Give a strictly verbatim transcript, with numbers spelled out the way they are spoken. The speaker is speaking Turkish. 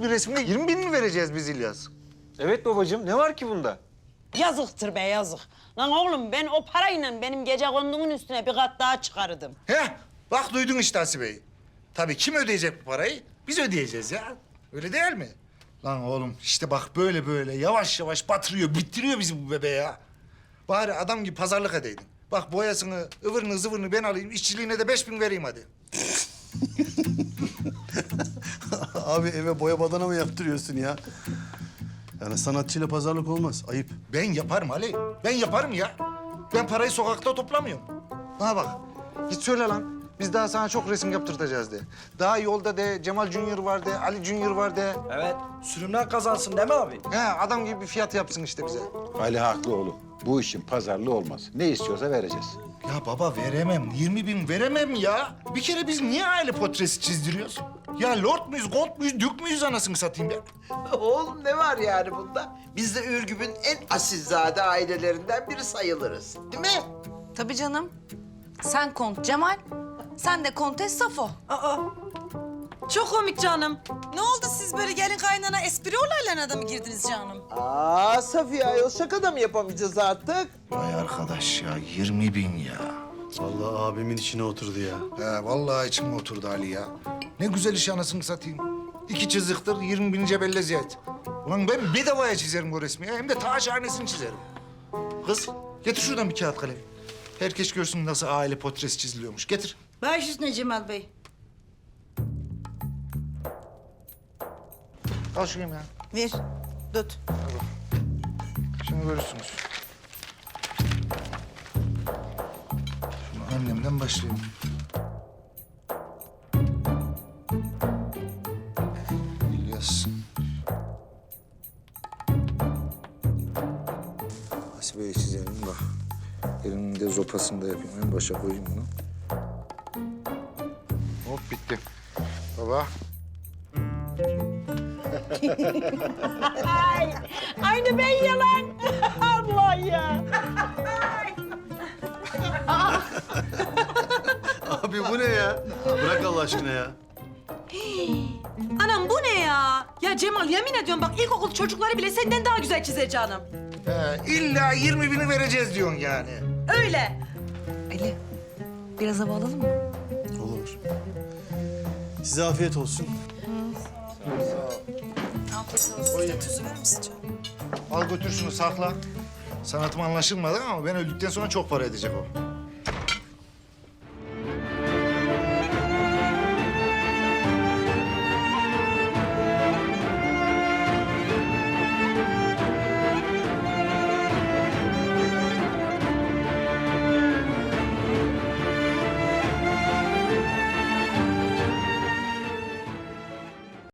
bir resmine yirmi bin mi vereceğiz biz İlyas? Evet babacığım, ne var ki bunda? Yazıktır be yazık. Lan oğlum ben o parayla benim gece kondumun üstüne bir kat daha çıkarırdım. Heh, bak duydun işte Hasibe'yi. Tabii kim ödeyecek bu parayı? Biz ödeyeceğiz ya. Öyle değil mi? Lan oğlum işte bak böyle böyle yavaş yavaş batırıyor, bittiriyor bizi bu bebe ya. Bari adam gibi pazarlık edeydin. Bak boyasını, ıvırını, zıvırını ben alayım, işçiliğine de beş bin vereyim hadi. Abi eve boya badana mı yaptırıyorsun ya? Yani sanatçıyla pazarlık olmaz. Ayıp. Ben yaparım Ali, ben yaparım ya. Ben parayı sokakta toplamıyorum. Bana bak, git söyle lan. Biz daha sana çok resim yaptırtacağız de. Daha yolda de, Cemal Junior var de, Ali Junior var de. Evet, sürümden kazansın değil mi abi? He, adam gibi bir fiyat yapsın işte bize. Ali haklı oğlum. Bu işin pazarlığı olmaz. Ne istiyorsa vereceğiz. Ya baba veremem, yirmi bin veremem ya. Bir kere biz niye aile portresi çizdiriyoruz? Ya lord muyuz, gold muyuz, dük müyüz anasını satayım ya? Oğlum ne var yani bunda? Biz de Ürgüp'ün en asilzade ailelerinden biri sayılırız. Değil mi? Tabii canım. Sen Kont Cemal, sen de Kontes Safo. Aa, çok komik canım. Ne oldu siz böyle gelin kaynana espri olaylarına da mı girdiniz canım? Aa Safiye ayol şaka da mı yapamayacağız artık? Vay arkadaş ya, yirmi bin ya. Vallahi abimin içine oturdu ya. He, vallahi içime oturdu Ali ya. Ne güzel iş anasını satayım. İki çiziktir, yirmi bin cebelle ziyet. Ulan ben bedavaya çizerim bu resmi ya. Hem de ta şahanesini çizerim. Kız, getir şuradan bir kağıt kalem. Herkes görsün nasıl aile portresi çiziliyormuş. Getir. Baş üstüne Cemal Bey. Al şunu ya. Ver, tut. Şimdi görürsünüz. Şunu annemden başlayayım. İlyas. Hasibe'yi çizelim bak. Elinin de zopasını da yapayım. En başa koyayım bunu. Hop bitti. Baba. Ay, aynı ben yalan. Allah ya. Abi bu ne ya? Bırak Allah aşkına ya. Anam bu ne ya? Ya Cemal yemin ediyorum bak ilkokul çocukları bile senden daha güzel çizer canım. He, illa yirmi bini vereceğiz diyorsun yani. Öyle. Ali, biraz hava alalım mı? Olur. Size afiyet olsun. Afiyet olsun. Size tuzu verir misin canım? Al götür şunu sakla. Sanatım anlaşılmadı ama ben öldükten sonra çok para edecek o.